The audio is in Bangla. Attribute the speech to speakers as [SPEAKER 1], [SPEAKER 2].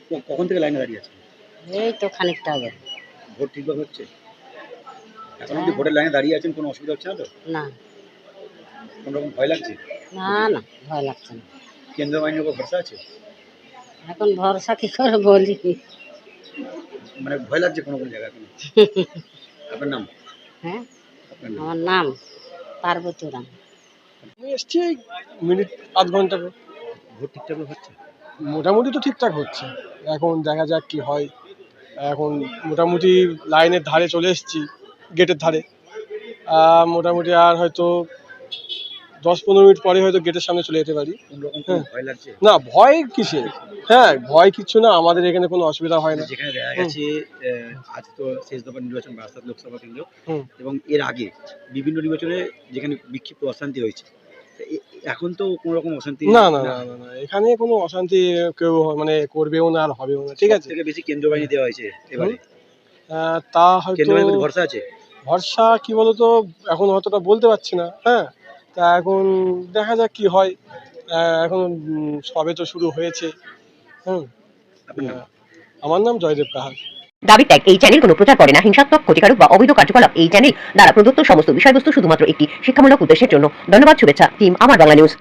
[SPEAKER 1] কখন থেকে লাইনে দাঁড়িয়ে আছেন?
[SPEAKER 2] এই তো খানিকটা আগে।
[SPEAKER 1] ভোট ঠিকভাবে হচ্ছে? এখন অব্দি
[SPEAKER 2] হ্যাঁ।
[SPEAKER 1] ভোটের লাইনে দাঁড়িয়ে আছেন, কোনো অসুবিধা হচ্ছে না তো?
[SPEAKER 2] না,
[SPEAKER 1] কোনো রকম ভয় লাগছে?
[SPEAKER 2] না, না, ভয় লাগছে না।
[SPEAKER 1] কেন্দ্রীয় বাহিনীর উপর ভরসা আছে?
[SPEAKER 2] এখন ভরসা কি করে বলি?
[SPEAKER 1] মানে ভয় লাগছে কোনো কোনো জায়গায় এখন? আপনার নাম?
[SPEAKER 2] হ্যাঁ,
[SPEAKER 1] আপনার নাম?
[SPEAKER 2] আমার নাম পার্বতী রানী।
[SPEAKER 3] আমি এসছি এই মিনিট আধ ঘন্টা করে।
[SPEAKER 1] ভোট ঠিকঠাকভাবে হচ্ছে?
[SPEAKER 3] মোটামুটি তো ঠিকঠাক হচ্ছে। এখন দেখা যাক কি হয়। এখন মোটামুটি লাইনের ধারে চলে এসেছি, গেটের ধারে। মোটামুটি আর হয়তো 10-15 মিনিট পরে হয়তো গেটের সামনে চলে যেতে পারি।
[SPEAKER 1] কোনো রকম কোনো
[SPEAKER 3] হ্যাঁ।
[SPEAKER 1] ভয় লাগছে?
[SPEAKER 3] না, ভয় কিসের? হ্যাঁ, ভয় কিচ্ছু না, আমাদের এখানে কোনো অসুবিধা হয় না।
[SPEAKER 1] যেখানে দেখা গেছে আজ তো শেষ দফার নির্বাচন বারাসাত লোকসভা কেন্দ্র,
[SPEAKER 3] হুম।
[SPEAKER 1] এবং এর আগে বিভিন্ন নির্বাচনে যেখানে বিক্ষিপ্ত অশান্তি হয়েছে, তা এখন তো কোনো রকম অশান্তি
[SPEAKER 3] না, না, না, না, না, এখানে কোনো অশান্তি কেউ মানে করবেও না আর হবেও না, ঠিক আছে?
[SPEAKER 1] থেকে বেশি কেন্দ্রীয় বাহিনী দেওয়া হয়েছে এবারে।
[SPEAKER 3] তা হয়তো
[SPEAKER 1] কেন্দ্রীয় বাহিনীর প্রতি ভরসা আছে?
[SPEAKER 3] ভরসা কি বলতো, এখন অতটা বলতে পারছি না। হ্যাঁ, তা এখন দেখা যাক কি হয়। এখন সবে তো শুরু হয়েছে। হুম।
[SPEAKER 1] আপনার নাম?
[SPEAKER 3] আমার নাম জয়দেব কাহার।
[SPEAKER 4] দাবি ত্যাগ। এই চ্যানেল কোনো প্রচার করে না হিংসাত্মক, ক্ষতিকারক বা অবৈধ কার্যকলাপ। এই চ্যানেল দ্বারা প্রদত্ত সমস্ত বিষয়বস্তু শুধুমাত্র একটি শিক্ষামূলক উদ্দেশ্যের জন্য। ধন্যবাদ। শুভেচ্ছা টিম আমার বাংলা নিউজ।